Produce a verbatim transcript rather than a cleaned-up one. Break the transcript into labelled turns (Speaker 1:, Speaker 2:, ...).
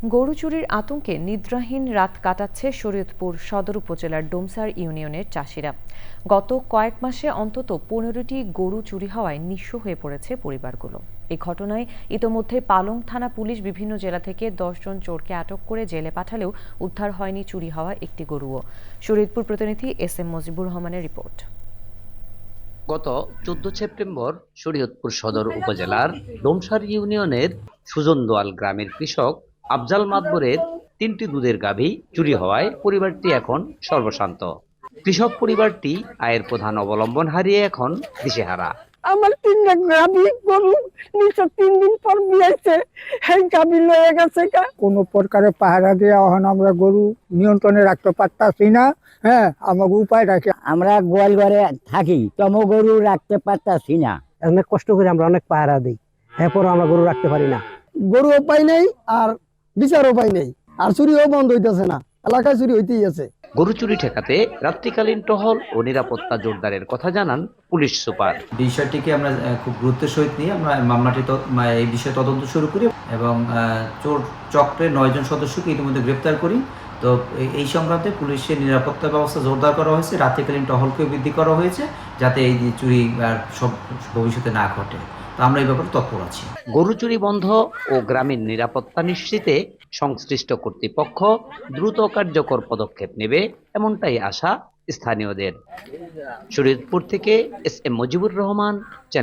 Speaker 1: গরু চুরির আতঙ্কে নিদ্রাহীন রাত কাটাচ্ছে শরীয়তপুর সদর উপজেলার ডোমসার ইউনিয়নের চাষিরা। গত কয়েক মাসে অন্তত পনেরোটি গরু চুরি হওয়ায় নিঃস্ব হয়ে পড়েছে পরিবারগুলো। এই ঘটনায় ইতোমধ্যে পালং থানা পুলিশ বিভিন্ন জেলা থেকে দশজন চোরকে আটক করে জেলে পাঠালেও উদ্ধার হয়নি চুরি হওয়া একটি গরুও। শরীয়তপুর প্রতিনিধি এস এম মজিবুর রহমানের রিপোর্ট।
Speaker 2: গত চোদ্দ সেপ্টেম্বর শরীয়তপুর সদর উপজেলার ডোমসার ইউনিয়নের সুজনদোয়াল গ্রামের কৃষক আফজাল মাদবরের তিনটি দুধের গাভী চুরি হওয়ায় পরিবারটি এখন সর্বশান্ত। কৃষক পরিবারটি আয়ের প্রধান অবলম্বন হারিয়ে এখন দিশেহারা।
Speaker 3: আমার তিনটা গাভী গরু নিচে তিন দিন পর বিয়েছে, সেই গাভী লয়ে গেছে। কোনো প্রকারে পাহারা দিয়ে এখন আমরা গরু নিয়ন্ত্রণে রাখতে পারতাছি না। হ্যাঁ, আমাকে উপায় রাখি।
Speaker 4: আমরা গোয়াল ঘরে থাকি, তম গরু রাখতে পারতাছি না।
Speaker 5: অনেক কষ্ট করে আমরা অনেক পাহারা দিই, এরপরও আমরা গরু রাখতে পারি না।
Speaker 3: গরু উপায় নেই আর বিচার উপায় নেই, আর চুরিও বন্ধ হইতেছে না, এলাকায় চুরি হইতেই আছে।
Speaker 2: গরু চুরি ঠেকাতে রাত্রিকালীন টহল ও নিরাপত্তা জোরদারের কথা জানান পুলিশ সুপার।
Speaker 6: বিষয়টিকে আমরা খুব গুরুত্বের সহিত নিয়ে আমরা মামলাটি এই বিষয়ে তদন্ত শুরু করি এবং চোর চক্রের নয়জন সদস্যকে ইতিমধ্যে গ্রেপ্তার করি। তো এই সংক্রান্তে পুলিশের নিরাপত্তা ব্যবস্থা জোরদার করা হয়েছে, রাত্রিকালীন টহলকেও বৃদ্ধি করা হয়েছে, যাতে এই চুরি আর সব ভবিষ্যতে না ঘটে। তো আমরা এই ব্যাপারে তৎপর আছি।
Speaker 2: গরু চুরি বন্ধ ও গ্রামীণ নিরাপত্তা নিশ্চিতে সংশ্লিষ্ট কর্তৃপক্ষ দ্রুত কার্যকর পদক্ষেপ নেবে, এমনটাই আশা স্থানীয়দের। শরীয়তপুর থেকে এস এম মজিবুর রহমান।